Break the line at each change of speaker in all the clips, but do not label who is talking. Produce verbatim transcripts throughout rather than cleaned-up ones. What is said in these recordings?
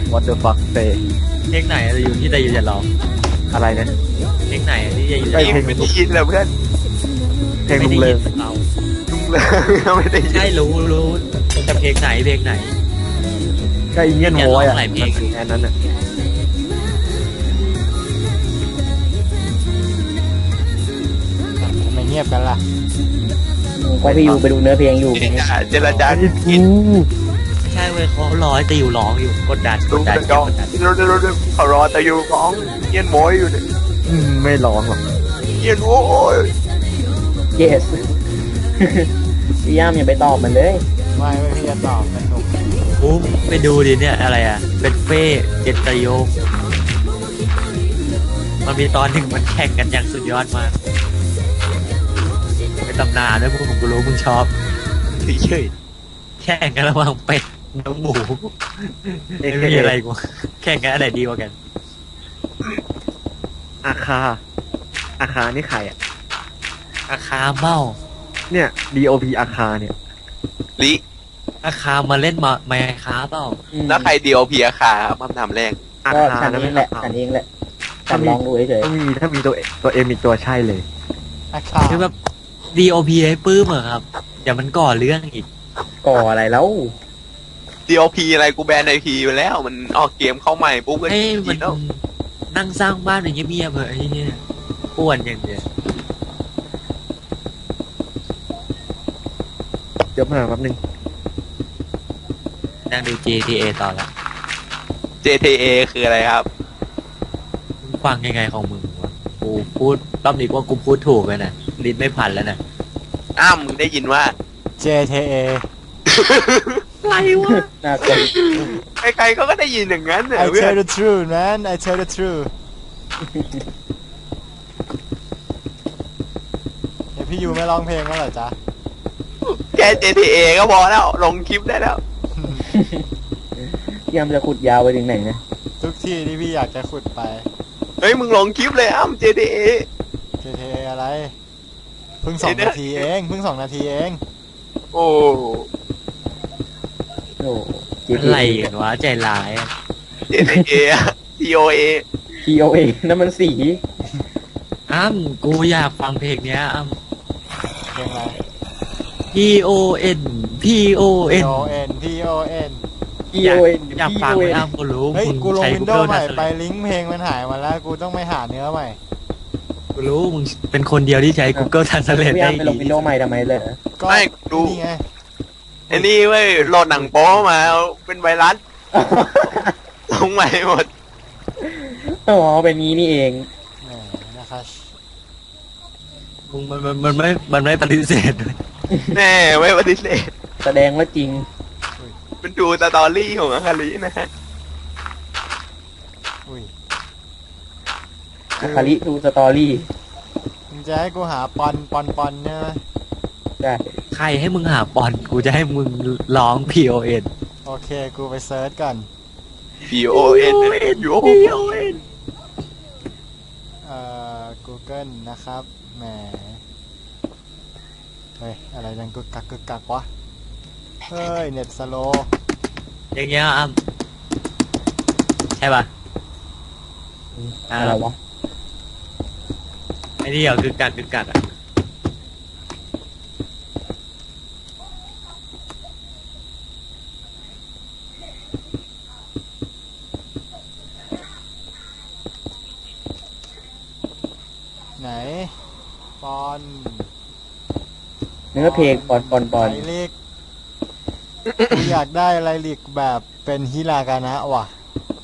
what the fuck say
เพลงไหนจะอยู่ที่จะอยู่จะร้อง
อะไรนะ
เพลงไหนที่จะอยู่จะ
ไอ้
ร้อง
เพลง
ไม่ได้ยินเลยเพื่อน
เพลง
ไม่
ลุง
ได้
เลิ
ยิ
ง
นเรา
ลุงเลยไม่ได้ยิน
ใช่รู้รู้แต่เพลงไหนเพลงไหน
ก็อินเดียน
เนี่ย
โว
ร้อง
ยอ่ะ
หลายเพลง
แค่นั้นอ่ะ
ทำไมเงียบกันล่ะ
ก็พี่อยู่ไปดูเนื้อเพลงอยู่
เจรจาเจรจา
ไอ้
กิน
กู
ไม่ใช่เว้ยเขาร้อยแต่อยู่ร้องอยู่กดดันก
ลุ
ด
ง
ดัน
จะ
กดดัน
ดูดูดูเขารอแต่อยู่ของเยียนโมยอยู่เนี่ย
อืมไม่ร้องหรอก
เยียนโอ้ย
yes พี่ย่ามอย่าไปตอบมันเลย
ไม่ไม่พี่จะตอบสนุก
อู้ไปดูดิเนี่ยอะไรอ่ะเป็นเฟ่เจตโยมมันมีตอนหนึ่งมันแข่งกันอย่างสุดยอดมากเป็นตำนานด้วยพวกผมก็รู้มึงชอบเฉยๆแข่งกันระหว่างเป็ดน้องหมูไม่มีอะไรกูแข่งกันอะไรดีกว่ากัน
อาคาอาคานี่ใครอ่ะ
อาคาเมา
เนี่ย ดี โอ พี อาคาเนี่ย
ลิ
อาคามาเล่นมาไมค้าเปล่า
อืม
แล้วใครเดียวพีอาคามาทำแรง
อา
ก็
คา
ฉัน
นะ
เอ
ไม่
งแหละ
อาคา
ฉันเองแหละฉันลองดูเฉย
ถ้ามีถ้ามีตัวตัวเอ็มอีกตัวใช่เลย
อาคา
คือแบบ ดี โอ พี ให้ปื้มเหรอครับเดี๋ยวมันก่อเรื่องอีก
ๆก่ออะไรแล้ว
เดียวพีอะไรกูแบนไอพีไปแล้วมันออกเกมเข้าใหม่ปุ๊บก็
ให้
ยิ
มัน
นแล้ว
นั่งสร้างบ้านอย่างเงียบๆเหอะไอ้เนี่ยป่วนอย่างเดียว
เดี๋ยวมาแป๊บนึง
นั่งดู จี ที เอ ต่อละ
เจ ที เอ คืออะไรครับ
มึงฟังยังไงของมึงวะกูพูดรอบนี้ว่ากูพูดถูกเลยนะลิ้นไม่พันแล้วนะ
อ้ามมึงได้ยินว่า
เจทีเอ
อะไรวะ
น่ากลัว
ใครๆเขาก็ได้ยินอย่างนั้นเนี่ย
I
เพื่อน
tell the truth man I tell the truth เดี๋ยวพี่ยูไม่ร้องเพลงแล้วเหรอจ๊ะ
แค่ เจ ที เอ ก็พอแล้วลงคลิปได้แล้ว
พี่ย่ามจะขุดยาวไปถึงไหนนะ
ทุกที่ที่พี่อยากจะขุดไป
เฮ้ยมึงลงคลิปเลยอ้าม เจ ที เอ
เจทีเออะไร เพิ่งสองนาทีเองเพิ่งสองนาทีเอง
โอ้
โอ้
อะไรกันวะใจร้ายอะ
เจ ที เอ ที โอ เอ
ทีโอเอนั่นมันสี
อ้ำกูอยากฟังเพลงเนี้ยอ้ำ
เพลงอะไร
P O N P O
P
N
O N P O N
ที
อยาก
โอเอ็น
อยากฟังไหมอ้ำกูรู้
เฮ้ย
มึง
กูลง
ใช้
วินโดว์
Google
ใหม่ไป
Translate
ลิงก์เพลงมันหายมาแล้ว กูต้องไปหาเนื้อใหม่
กูรู้มึงเป็นคนเดียวที่ใช้ Google Translate
พี่
ได้
ย่ามไปล
ดี
งวินโดว์ใหม่ทำไมเลย
ก็
ไม่ดู
นี่ไง
ไอ้นี่เว้ยโหลดหนังโป๊มาเป็นไวรัสลงใหม่หมด
อ๋อเป็นงี้นี่เอง
แหมนะครับ
มึงมันมันมันไม่มันไม่ปฏิเสธด้วย
แน่ไม่ปฏิเสธ
แสดงว่าจริง
เป็นดูสตอรี่ของอาคารินะฮะ
อุ้ย
อาคาริดูสตอรี่
มึงจะให้กูหาปอนปอนปอนเนี่ยไหม
ได้
ใครให้มึงหาปอนกูจะให้มึงร้อง P O N
โอเค กูไปเซิร์ชก่อน
P O N U O
เอ่อ Google นะครับ แหม เฮ้ย อะไรดังกึกกักกึกกักวะ เฮ้ย เน็ตสโล
อย่างเงี้ยอ้ำใช่ป่ะอ่า
อะไรวะ
ไอ้นี่เหรอคือกัดคือกัดอ่ะ
ไหน ปอน
เนื้อเพลงปอนปอนปอน
ไลลิก กูอยากได้ไลลิกแบบเป็นฮิรากานะว่ะ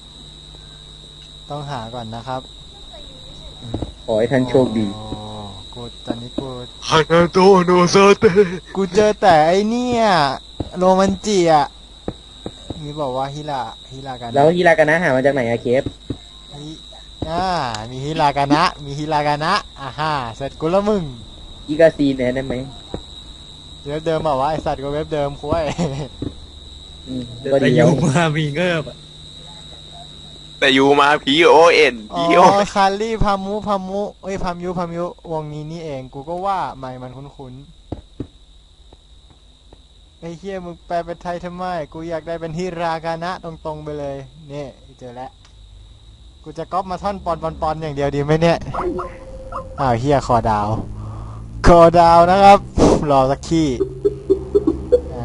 ต้องหาก่อนนะครับ
ขอให้ท่านโชคดี
โอ้กูตอนนี้กู
ฮานาโตโนซาเตะ
กูเจอแต่ไอเนี่ยโรมันจิอ่ะนี่บอกว่าฮิราฮิรากานะ
แล้วฮิรากานะหามาจากไหนอะเคฟ
ฮิอ่ามีฮิรากานะ มีฮิรากานะอ่าฮ่าเสร็จกูละมึง
อีกาซีนเนี่ยได้ไหม
เว็บเดิมบอกว่าไอสัตว์ก็เว็บเดิมคุ้ย
อืม
เดิน
ก็
ไป
ดี
อ
แล้ว
ยู่มามีเงิบอะ
แต่อยู่มา P O N
อ๋
P O
อคารี่พามุพามุเอ้ยพามุพามุวงนี้นี่เองกูก็ว่าไม่มันคุ้นไอ้เฮียมึงแปลเป็นไทยทำไมกูอยากได้เป็นฮิรากานะตรงๆไปเลยนี่เจอแล้วกูจะก๊อปมาท่อนปอนปอนปอนอย่างเดียวดีไหมเนี่ยอ้าวเฮียคอดาวคอดาวนะครับรอสักขี้อ่า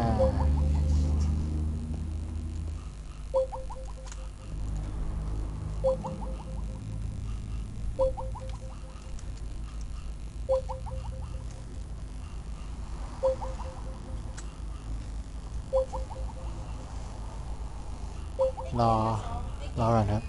รอรอก่อนครับ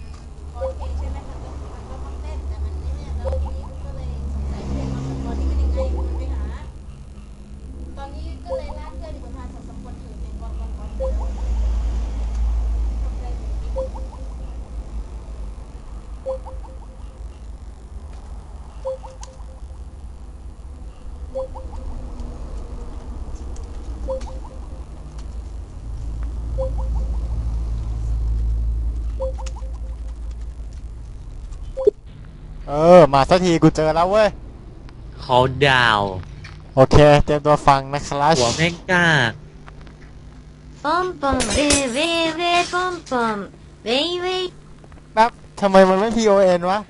เออมาสักทีกูเจอแล้วเว้ย
เขาดาว
โอเคเตรียมตัวฟังนะครับ
หัวแม่งกล้า
ポンポンウェイウェイウェイポンポンウェイウェイ
แป๊บทำไมมันไม่ พี โอ เอ็น วะ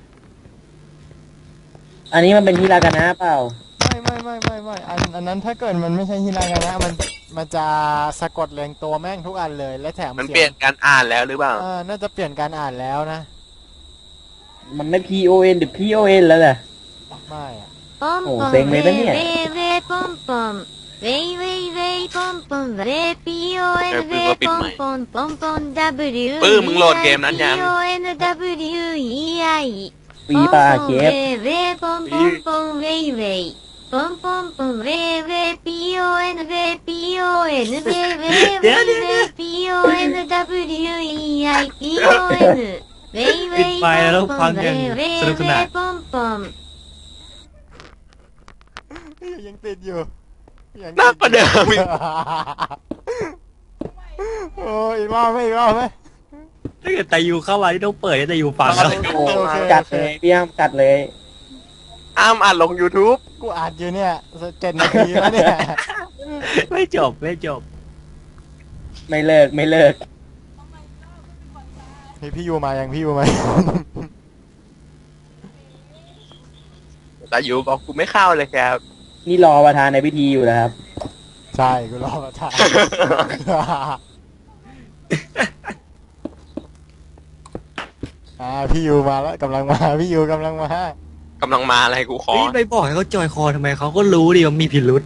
อันนี้มันเป็นฮิรากานะเปล่า
ไม่ไม่ไม่ไม่ไม่อันอันนั้นถ้าเกิดมันไม่ใช่ฮิรากานะมันมันจะสะกดเรียงตัวแม่งทุกอันเลยและแถม
มัน
สีง
เปลี่ยนการอ่านแล้วหรือเปล่า
เออน่าจะเปลี่ยนการอ่านแล้วนะ
มันไม่ พี โอ เอ็น หรือ พี โอ เอ็น แล้วแหละ
ไม่อะ
ポンポンウェイウ
お全面だね
ェイウェイポンポンウェイウェイウェイポンポンウェイ ピー オー エヌ ウェイポンポンポンポン ダブリュー
ปื้มมึงโหลดเกมนั้นยัง
ピー オー エヌ ダブリュー イー アイ
ฟรีป่ะเค
ウ
ฟ
ェイウェイポンポンポンウェイウェイポンポンポンウェイウェイ ピー オー エヌ ウェイ ピー オー エヌ ウェイウェイウェイウェイ ピー オー エヌ ダブリュー イー アイ ピー オー エヌ ウェイウェイ
ปิดไฟแล้วฟัง
ウ
กัน
ェイウェイ
สนุกสนาน
ポンポン
ยังติดอยู่ยัง
หนักกว่าเดิมอีก
โอ้ยอีกรอบไหมอีกรอบไหม
ถ้าเกิดตายูเข้ามาที่ต้องเปิดให้ตายูฟังแล้ว
โอ้กัดเลยพี่อ้ำกัดเลย
อ้ามอ่านลง YouTube
กูอัดอยู่เนี่ยเจ็ดนาทีแล้วเนี่ย
ไม่จบไม่จบ
ไม่เลิกไม่เลิก
นี่พี่ยูมายังพี่ยูมา
แต่อยู่บอกกูไม่เข้าเลยครับ
นี่รอประธานในพิธีอยู่นะครับ
ใช่กูรอประธาน อ่าพี่ยูมาแล้วกำลังมาพี่ยูกำลังมาก
ำลังมาอะไรกูขอ
เฮ้ยไปบอกให้เขาจอยคอทำไมเขาก็รู้ดิว่ามีพิรุษ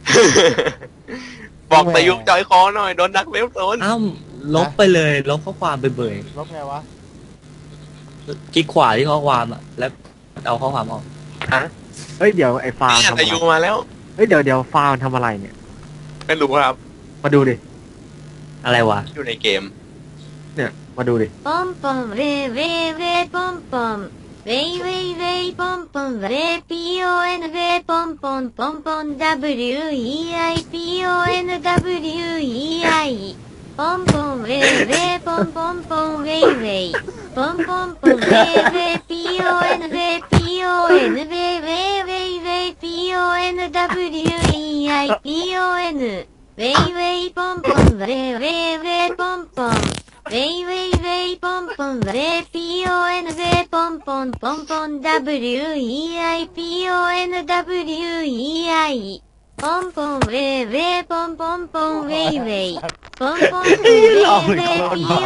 บอกแต่ยุกจอยคอหน่อยโดนดักเวลโซน
อ้าวลบไปเลยลบข้อความไปเบย
ลบไงวะ
คลิกขวาที่ข้อความอ่ะแล้วเอาข้อความออก
เฮ้ยเดี๋ยวไอ้ฟาร์ม
เนี่ย
ทำอะ
แต่
ไร
ยูมาแล้ว
เฮ้ยเดี๋ยวเดี๋ยวฟาร์มทำอะไรเนี่ย
ไม่รู้ครับ
มาดูดิ
อะไรวะ
อยู่ในเกม
เนี่ยมาดูดิ
ポンポンウェイウェイウェイポンポンウェイウェイウェイポンポンウェイ ピー オー エヌ ウェイポンポンポンポン ダブリュー イー アイ ピー オー エヌ ダブリュー イー アイ ポンポンウェイウェイポンポンポンウェイウェイポンポンポンウェイウェイ ピー オー エヌ ウェイ ピー オー エヌ ウェイウェイウェイウェイ ピー オー エヌ ダブリュー イー アイ ピー オー エヌ ウェイウェイポンポンウェイウェイウェイポンポンウェイウェイウェイポンポンウェイ ピー オー エヌ ウェイポンポンポンポン ダブリュー イー アイ ピー オー エヌ ダブリュー イー アイ ポンポンウェイウェイポンポンポンウェイウェイポンポンウェイウェイ ピー オー エヌ ウェイ ピー オー エヌ ウェイウェイウェイウェイ ピー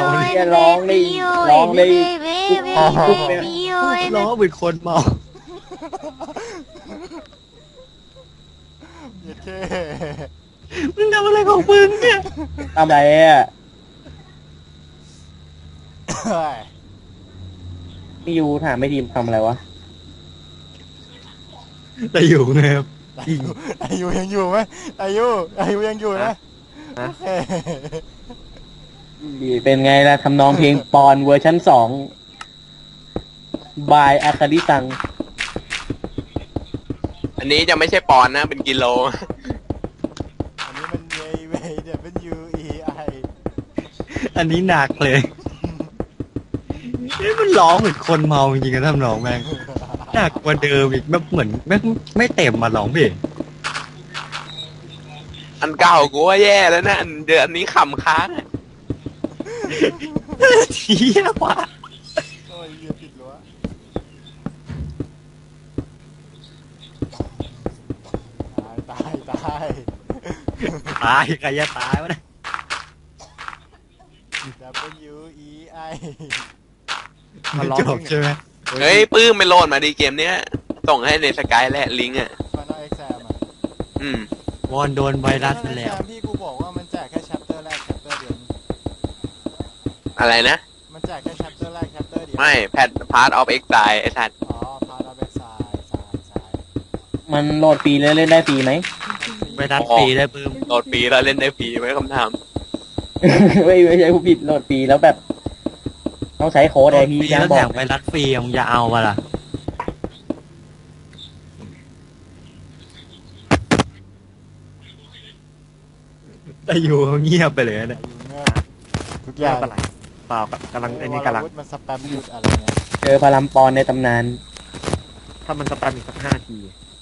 オー エヌ
ล้อเป็นคนเมา
เย็ดเค
มึงทำอะไรของมึงเนี่ย
ทำไรอ่ะ
เฮ้ย
พี่ยูถามไม่ทีมทำอะไรวะ
ตายูไงครับ
อายุอายุยังอยู่ไหมอายุอายุยังอยู่นะ
ฮะ
โอเค
เป็นไงล่ะทำนองเพลงปอนเวอร์ชันสองบายอาคาริซัง
อันนี้จะไม่ใช่ปอนด์นะ เป็นกิโล
อันนี้มันเวเวเดี๋ยวเป็น U E I
อันนี้หนักเลยนี่มันร้องเหมือนคนเมาจริงๆนะทำนองแม่งหนักกว่าเดิมอีกแบบเหมือนแม่งไม่เต็มมาร้องเพลง
อันเก่ากูว่าแย่แล้วนะอันเดือนนี้ขำค้างอะ
เที่ยว่ะ
โอ้ยเหี้ยติดรั้วตายตายตาย
ตายใครจะตายวะเนี่ย
W E I
มาล็อก
จบใช่ไหม
เฮ้ยปื้มไปโหลดมาดีเกมเนี้ยส่งให้ในสกายแหละลิงก์อ่ะ
ฟันเอาเอ็กแซมอ่ะ
อืม
วอนโดนไวรัสไปแล้ว
Final Exam ที่กูบอกว่ามันแจกแค่แชปเตอร์แรกแชปเตอร์เดียว
อะไรนะ
มันแจกแค่แชปเตอร์แรกแชปเตอร์เดียว
ไม่แพทพาร์ทออฟเอ็กซ์ไซไอ้สัตว์
อ๋อพาราเบกไซด์ไซด์ไซด์
มันโหลดฟรีเลยเล่นได้ฟรีไหม
ไวรัสฟรีได้ปื้ม
โหลดฟรีแล้วเล่นได้ฟรีไม่คำถาม
ไม่ไม่ใช่ผู้ผิดโหลดฟรีแล้วแบบ ต้องใช้โค้ดไอพี
ฟรี
ยัง
แล้ว
บ
แถ
อก
มไวรัสฟรีมึงจะเอาปะล่ะแต่อยู่เขาเงียบไปเลยเนี่ย
เงียบทุกอย่าง
ไม่เป็นไรเปล่ากำลังไอ้นี่กำลัง
วรวุฒิมันสแปมหยุดอะไรเนี่ย
เจอพารัมปอนในตำนาน
ถ้ามันสแปมอีกสักห้าที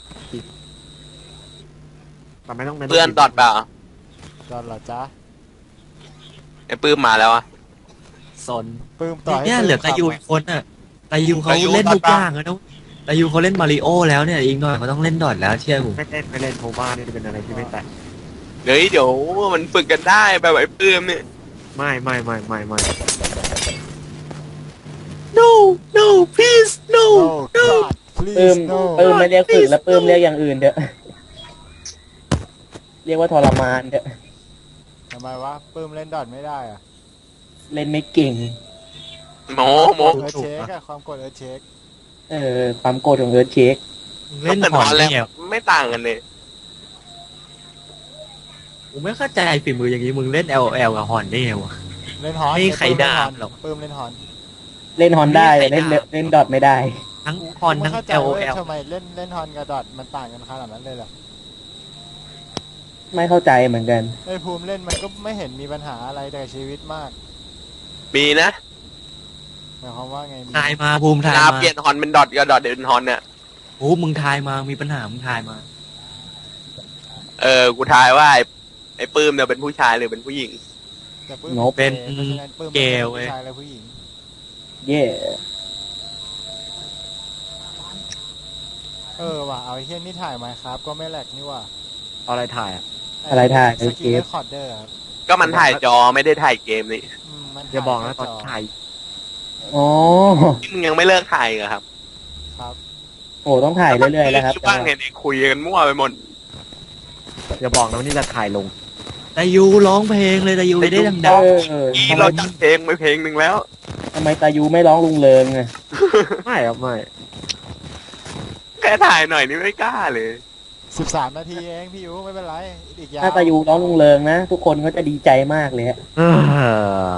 แต่ไม่ต้อง
เพื่อนดอดเปล่า
จอนเหรอจ๊ะ
ไอ้ปื้มมาแล้วอ่ะ
สน
ปื้มต่อให้
เนี่ยเหลือตายูอีกคนน่ะตายูเขาเล่นทุกอย่างแล้วนะตายูเขาเล่นมาริโอแล้วเนี่ยอีกหน่อยเขาต้องเล่นดอทแล้วเชื่อผม
ไม่เล่นไม่เล่นโทบ้านี่เป็นอะไรที่ไม่แตะ
เดี๋ยวเดี๋ยวมันฝึกกันได้แบบไอ้ปื้มเนี่ย
ไม่ไม่ไม่ไม่ไม่
no no please no
โอ้
no
กอด
ปื้
please
ม
no
ปื้มไม่เรียกฝึกแล้วปื้มเรียกอย่างอื่นเถอะ เรียกว่าทรมานเถอะ
ทำไมวะปื้มเล่นดอทไม่ได้อะ
เล่นไม่เก่ง
โมโม
เอิร์ธเช็คอะความกดเอิร์ธเช็ค
เออความโกรธของเอิร์ธเช็ค
เล่น
แต่
หอน
แล้ว
เนี่ย
ไม่ต่างกันเลย
ผมไม่เข้าใจฝีมืออย่างนี้มึงเล่น L O L กับฮอนได้ไงวะ
เล่นฮอน
ไม่มีใครด่าหรอก
ปื้มเล่นฮอน
เล่นฮอนได้แต่
ไม่
เล่น
ได้
เล่นดอทไม่ได้
ทั้งฮอนทั้ง
ไม่เข้าใจ
L O
เว้ย
L
ทำไมเล่นเล่นฮอนกับดอทมันต่างกันขนาดนั้นเลยเหรอ
ไม่เข้าใจเหมือนกัน
ไอ้ภูมิเล่นมันก็ไม่เห็นมีปัญหาอะไรแต่ชีวิตมาก
มีนะ
หมายความว่าไงมี
ทายมาภูมิทาย
ลา
มา
เปลี่ยนฮอนเป็นดอทกับดอทเป็นฮอนเนี่ย
โอ้มึงทายมามีปัญหามึงทายมา
เออกูทายว่าไอ้ไอ้ปื้มเนี่ยเป็นผู้ชายหรือเป็นผู้หญิง
แต่ปื้ม
งบ
เป็น
พราะฉะนั้นปื้ม
เก
เป็น
ย์เว้ย
ผู้ชายและผู้หญิง
เย่
เออว่ะเอาไอ้เฮี้ยนี่ถ่ายมาครับก็ไม่แหลกนี่ว่ะ
เอาอะไรถ่ายอ่ะ
อะไรถ่าย
ส
เออ
กิ
เก
ล
ม
เรคคอร์ดเดอร์ครับ
ก็มันถ่ายจอไม่ได้ถ่ายเกมนี่
อืมมัน
อย่าบอกนะตอน
จ
ถ่าย
อ๋อ
มึงยังไม่เลิกถ่ายเหรอครับ
ครับ
โอ้ต้องถ่ายเรื่อยๆแล้วครับ
ดบ้างเห็นไอ้คุยกันมั่วไปหมด
อย่าบอกนะว่านี่จะถ่ายลง
ตายูร้องเพลงเลยตายูได้ดัง
เออ
อี
ทำไม
เราจัดเพลงไปเพลงหนึ่งแล้ว
ทำไมตายูไม่ร้องลุงเริงอะ
ไม่ครับไม่
แค่ถ่ายหน่อยนี่ไม่กล้าเลย
สิบสามนาทีเองพี่ยูไม่เป็นไรอีกยาว
ถ้าตายูร้องลุงเริงนะทุกคนก็จะดีใจมากเลยฮะ
เออ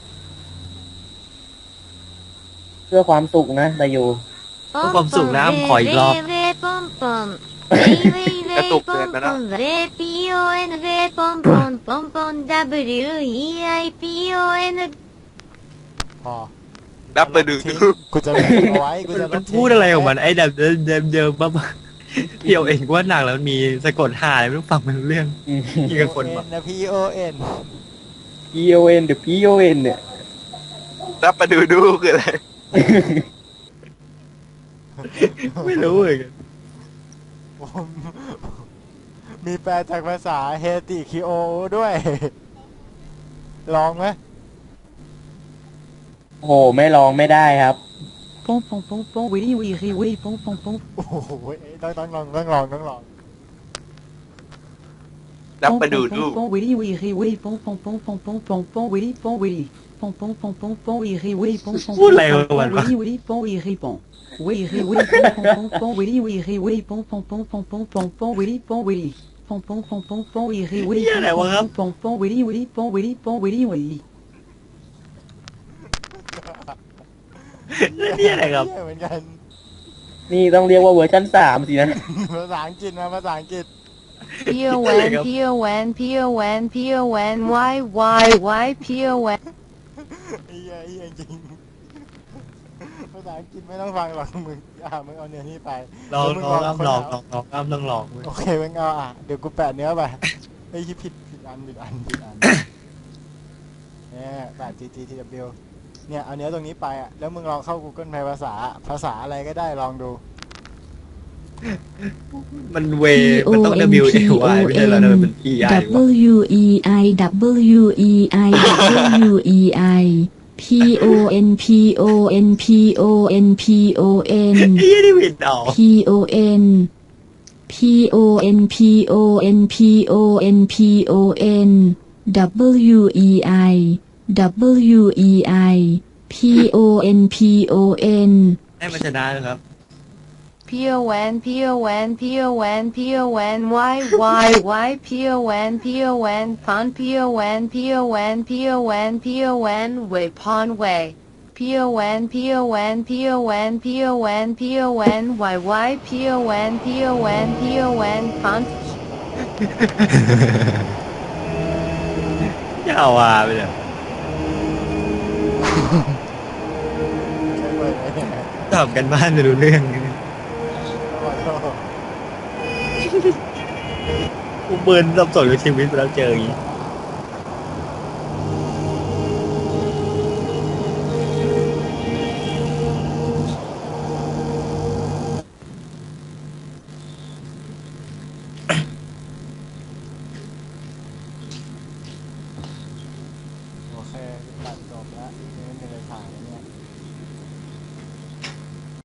เพื่อความสุขนะตายู
ๆเพื่อความสุขนะขออีกรอบ
ウェイウェイポンポン。ウェイウェイウェイポンポン。ウェイ ピー オー エヌ ウェイポンポンポンポン ダブリュー イー アイ ピー オー エヌ
พอ
ดับไปดู
ทิ้ง
ดู
กูจะลบเอาไว้กูจะล
มั
บ
น
ทิ้ง
พูดอะไรของมันไอ้เดิมเดิมเดิมเดิมบ้าๆเที่ยวเองว่าหนักแล้วมีสะกดหาอะไรไม่รู้ฟังไม่รู้เรื่อง อีกคน
เอ็
บอก
นนะ P O N
P O N เดี๋ยว P O N เนี่ย
ดับไปดูดูคืออะไร
ไม่รู้เลย
ผมมีแปลจากภาษาเฮติคิโอด้วย ลองไหม
โอ้โหไม่ลองไม่ได้ครับ
Pom pom pom pom, wiri wiri wiri pom pom pom.
โอ้โหต้องต้องลองต้องลองต้องลอง
ดับ
Pom
ไปดู
pom
ดู
pom pom, wiri wiri wiri pom pom pom pom pom pom pom, wiri pom wiri. Pom pom pom pom pom, wiri wiri pom pom
พูด
pom
อะไร
pom
ของมัน
pom,
วะ
wiri wiri pom wiri pom. Wiri wiri pom pom pom pom, wiri wiri wiri pom pom pom pom pom pom pom, wiri pom wiri. Pom pom pom pom pom, wiri wiri
เหี้ยอะไรวะครับ
pom pom pom, wiri wiri pom wiri pom wiri wiri.
นี่อะไรครับ
เหี้ยเหมือนกัน
นี่ต้องเรียกว่าเวอร์ชันสามสินะ
ภาษาอังกฤษมาภาษาอังกฤษ
P O N P O N P O N P O N Y Y Y P O N.
ไอ้เหี้ยไอ้เหี้ยจริงภาษาอังกฤษไม่ต้องฟังหรอกมึงอ่ะมึงเอาเนื้อนี่ไป
ลอง
มึ
ลอง
คน
ลอง
เา
ลองลองลองลองลอง
โอเคมึงเอาอ่ะเดี๋ยวกูแปะเนื้อไปไอ้ยผิดผิดอันผิดอันผิดอันเนี่ยแบบ จี จี ที ดับเบิลยู เนี่ยเอาเนื้อตรงนี้ไปอ่ะแล้วมึงลองเข้า Google แปลภาษาภาษาอะไรก็ได้ลองดู
มันเวมันต้อง W A Y ไม่ใช่เหรอมันเป็น E I วะ
W E I W E I W E I P O N P O N P O N P O N
ไอ้ยี่นี่ผิดออก
P O N P O N P O N P O N P O N W E I W E I P O N P O N
ให้มันชนะนะครับ
P O N P O N P O N P O N Y Y Y P O N P O N Pon P O N P O N P O N P O N Way Pon Way P O N P O N P O N P O N P O N Y Y P O N P O N P O N Pon
อย่าเอาว่าไปเลย
ใช่ไหมเนี่ย
ตอบกันบ้านไม่รู้เรื่อง
ขอโทษ
กูเบิร์นสับสนกับชีวิตไปแล้วเจออย่างนี้
โอเคตัดจบแล้วไม่มีอะไรถ่าย